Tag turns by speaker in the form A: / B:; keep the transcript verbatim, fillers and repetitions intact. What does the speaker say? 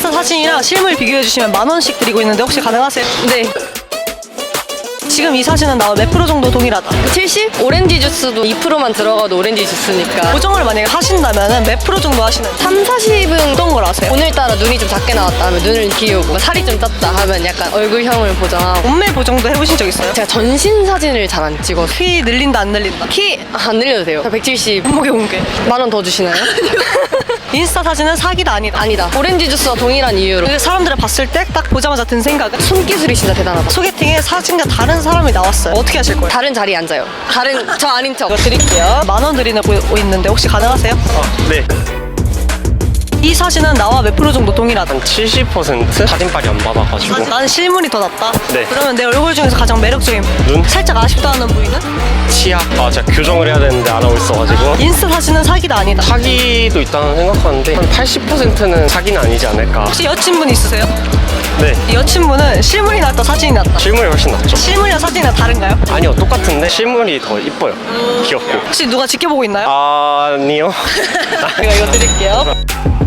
A: 인스타 사진이랑 실물 비교해주시면 만 원씩 드리고 있는데 혹시 가능하세요?
B: 네.
A: 지금 이 사진은 나와 몇 프로 정도 동일하다?
B: 칠십? 오렌지 주스도 이 퍼센트만 들어가도 오렌지 주스니까.
A: 보정을 만약에 하신다면 몇 프로 정도 하시는?
B: 삼, 사십은
A: 어떤 걸 아세요?
B: 오늘따라 눈이 좀 작게 나왔다 하면 눈을 기우고 살이 좀 쪘다 하면 약간 얼굴형을 보정하고.
A: 몸매 보정도 해보신 적 있어요?
B: 제가 전신 사진을 잘 안 찍어서
A: 키 늘린다 안 늘린다?
B: 키 안 늘려도 돼요. 저 백칠십.
A: 몸무게 공개.
B: 만 원 더 주시나요?
A: 인스타 사진은 사기다 아니다?
B: 아니다. 오렌지 주스와 동일한 이유로.
A: 그 사람들을 봤을 때 딱 보자마자 든 생각은?
B: 손기술이 진짜 대단하다.
A: 소개팅에 사진과 다른 사람이 나왔어요. 어떻게 하실 거예요?
B: 다른 자리에 앉아요. 다른 저 아닌 척.
A: 이거 드릴게요. 만 원 드리고 있는데 혹시 가능하세요?
C: 네.
A: 이 사진은 나와 몇 프로 정도 동일하다?
C: 한 칠십 퍼센트? 사진빨이 안 받아가지고.
A: 나는 실물이 더 낫다.
C: 네.
A: 그러면 내 얼굴 중에서 가장 매력적인
C: 눈?
A: 살짝 아쉽다 하는 부위는?
C: 치아. 아, 제가 교정을 해야 되는데 안 하고 있어가지고.
A: 인스타 사진은 사기다 아니다?
C: 사기도 있다는 생각하는데 한 팔십 퍼센트는 사기는 아니지 않을까.
A: 혹시 여친분 있으세요?
C: 네.
A: 이 여친분은 실물이 낫다 사진이 낫다?
C: 실물이 훨씬 낫죠.
A: 실물이랑 사진이랑 다른가요?
C: 아니요, 똑같은데 실물이 더 이뻐요. 귀엽고.
A: 혹시 누가 지켜보고 있나요?
C: 아니요.
A: 제가 이거 드릴게요.